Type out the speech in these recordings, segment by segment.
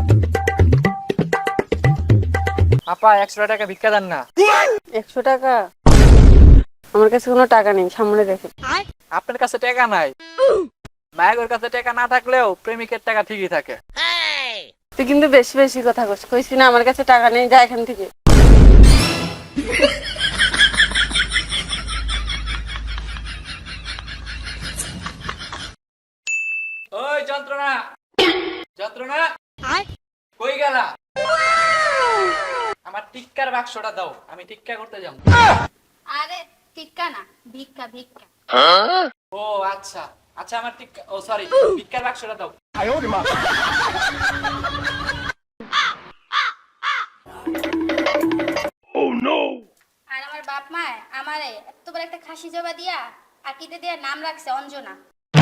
আপা 100 টাকা ভিক্ষা দেন না। 100 টাকা? আমার কাছে কোনো টাকা নেই, সামনে দেখেন। আপনার কাছে টাকা নাই? মায়ের কাছে টাকা না থাকলেও প্রেমিকের টাকা ঠিকই থাকে। তুই কিন্তু বেশি বেশি কথা কইস, কইছি না আমার কাছে টাকা নেই, যা এখান থেকে। ওই যন্ত্রণা, যন্ত্রণা কই গেলা? আমার টিক্কার বাক্সটা দাও, আমি টিক্কা করতে যাব। আরে টিক্কা না, ভিক্ষা ভিক্ষা। ও আচ্ছা আচ্ছা, আমার টিক্কা, ও সরি, ভিক্ষার বাক্সটা দাও। আর আমার বাপ মা আমারে এত বড় একটা খাসি জবা দিয়া আকিতে দিয়া নাম রাখছে অঞ্জনা।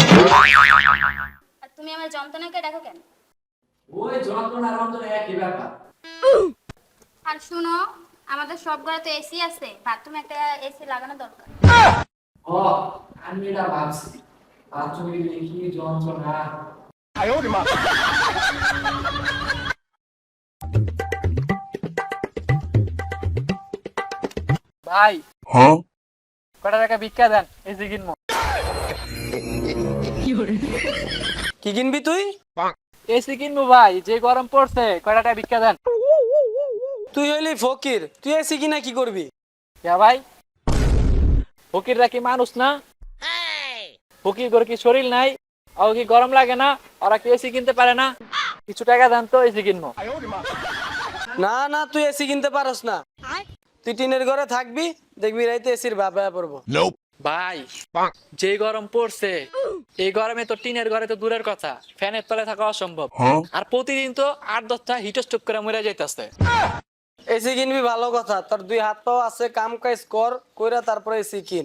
আর তুমি আমার যন্ত্রণাকে ডাকো কেন? ওই যন্ত্রণা রঞ্জনা একই ব্যাপার। আর শুনো, আমাদের সব ঘরে তো এসি আছে, বাথরুমে একটা এসি লাগানো দরকার। ও আমি এটা ভাবছি, বাথরুমে গেলে কি যন্ত্রণা। ভাই কটা টাকা ভিক্ষা দেন, এসি কিনবো। কি কিনবি তুই? এসি কিনবো ভাই, যে গরম পড়ছে, কটা টাকা ভিক্ষা দেন। তুই হইলি ফকির, তুই এসি কিনা কি করবি? কে ভাই? ফকিররা কি মানুষ না? ফকির করে কি শরীর নাই? আর কি গরম লাগে না? ওরা কি এসি কিনতে পারে না? কিছু টাকা দেন তো, এসি কিনবো। না না, তুই এসি কিনতে পারস না। তুই টিনের ঘরে থাকবি, দেখবি রাইতে এসির ভাবে পড়বো। ভাই যে গরম পড়ছে, এই গরমে তো টিনের ঘরে তো দূরের কথা, ফ্যানের তলে থাকা অসম্ভব। আর প্রতিদিন তো 8-10টা হিট স্ট্রোক করে মরে যাইতেছে। এসি কিনবি ভালো কথা, তোর দুই হাত পাও আছে, কাম কাজ কর, কইরা তারপরে এসি কিন।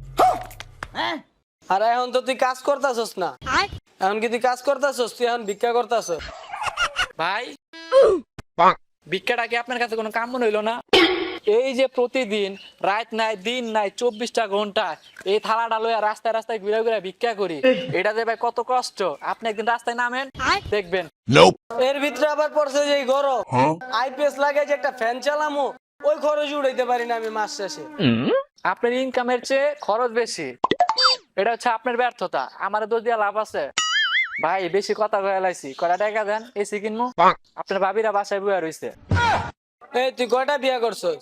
আর এখন তো তুই কাজ করতাছস না, এখন কি তুই কাজ করতাছস? তুই এখন ভিক্ষা করতাছস। ভাই ভিক্ষাটা কি আপনার কাছে কোনো কাম মনে হইলো না? এই যে প্রতিদিন রাত নাই দিন নাই 24টা ঘন্টা এই থালাটা লইয়া রাস্তায় রাস্তায় ঘুরে ঘুরে ভিক্ষা করি, এটা যে ভাই কত কষ্ট। আপনি একদিন রাস্তায় নামেন, দেখবেন। এর ভিতরে আবার পড়ছে যে এই গরম, আইপিএস লাগে যে একটা ফ্যান চালামো, ওই খরচ উড়াইতে পারি না আমি মাস শেষে। আপনার ইনকামের চেয়ে খরচ বেশি, এটা হচ্ছে আপনার ব্যর্থতা। আমার দোষ দিয়া লাভ আছে? ভাই বেশি কথা কয়ে লাইছি, কয়টা টাকা দেন, এসি কিনবো। আপনার ভাবিরা বাসায় বইয়া রইছে। এই তুই কয়টা বিয়া করছস?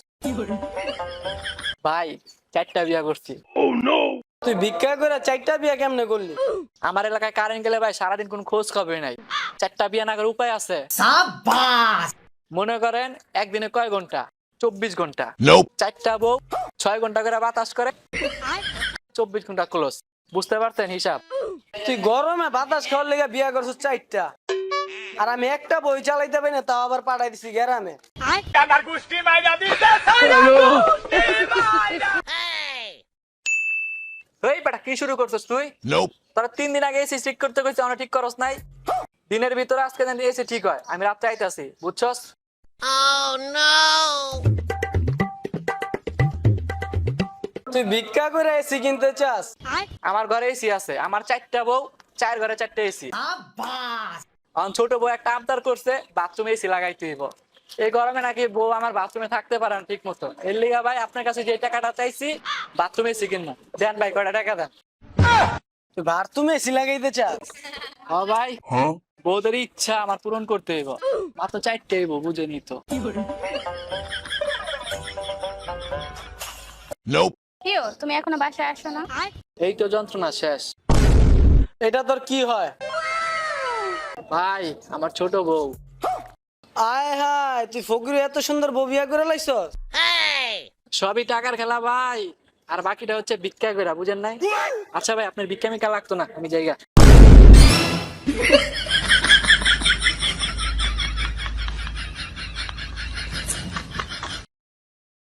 ভাই 4টা বিয়া করছি। তুই ভিক্ষা করে 4টা বিয়া কেমনে করলি? আমার এলাকায় কারেন্ট গেলে ভাই সারাদিন কোন খোঁজ খবর নাই। 4টা বিয়া না করার উপায় আছে? মনে করেন একদিনে কয় ঘন্টা? 24 ঘন্টা। 4টা বউ 6 ঘন্টা করে বাতাস করে, 24 ঘন্টা ক্লোজ। বুঝতে পারছেন হিসাব? তুই গরমে বাতাস খাওয়ার লেগে বিয়া করছস 4টা, আর আমি একটা বই চালাইতে পারি না, তাও আবার পাঠাই দিছি গ্রামে। এই বেটা কি শুরু করছিস তুই? তোরা 3 দিন আগে এসি ঠিক করতে কইছিস, আমরা ঠিক করস নাই। দিনের ভিতরে আজকে জানি এসি ঠিক হয়, আমি রাতে আইতাছি, বুঝছস? তুই ভিক্ষা করে এসি কিনতে চাস? আমার ঘরে এসি আছে, আমার 4টা বউ, 4 ঘরে 4টা এসি। ছোট বউ একটা আবদার করছে বাথরুমে এসি লাগাইতে হইব। এই গরমে নাকি বউ আমার বাথরুমে থাকতে পারে না ঠিক মতো। এর লিগা ভাই আপনার কাছে যে টাকাটা চাইছি বাথরুমে এসি কিনবো, দেন ভাই কয়টা টাকা দেন। তুই বাথরুমে এসি লাগাইতে চাস? ও ভাই বউদের ইচ্ছা আমার পূরণ করতে হইব, মাত্র 4টা হইব, বুঝে নিত। কিও তুমি এখনো বাসায় আসো না? এই তো যন্ত্রণা শেষ। এটা তোর কি হয়? ভাই আমার ছোট বউ। আয় হায়, তুই ফকির এত সুন্দর বউ বিয়া করে লাইছস? সবই টাকার খেলা ভাই, আর বাকিটা হচ্ছে ভিক্ষা কইরা, বুঝেন নাই? আচ্ছা ভাই আপনার ভিক্ষা মিক্ষা লাগতো না, আমি জায়গা।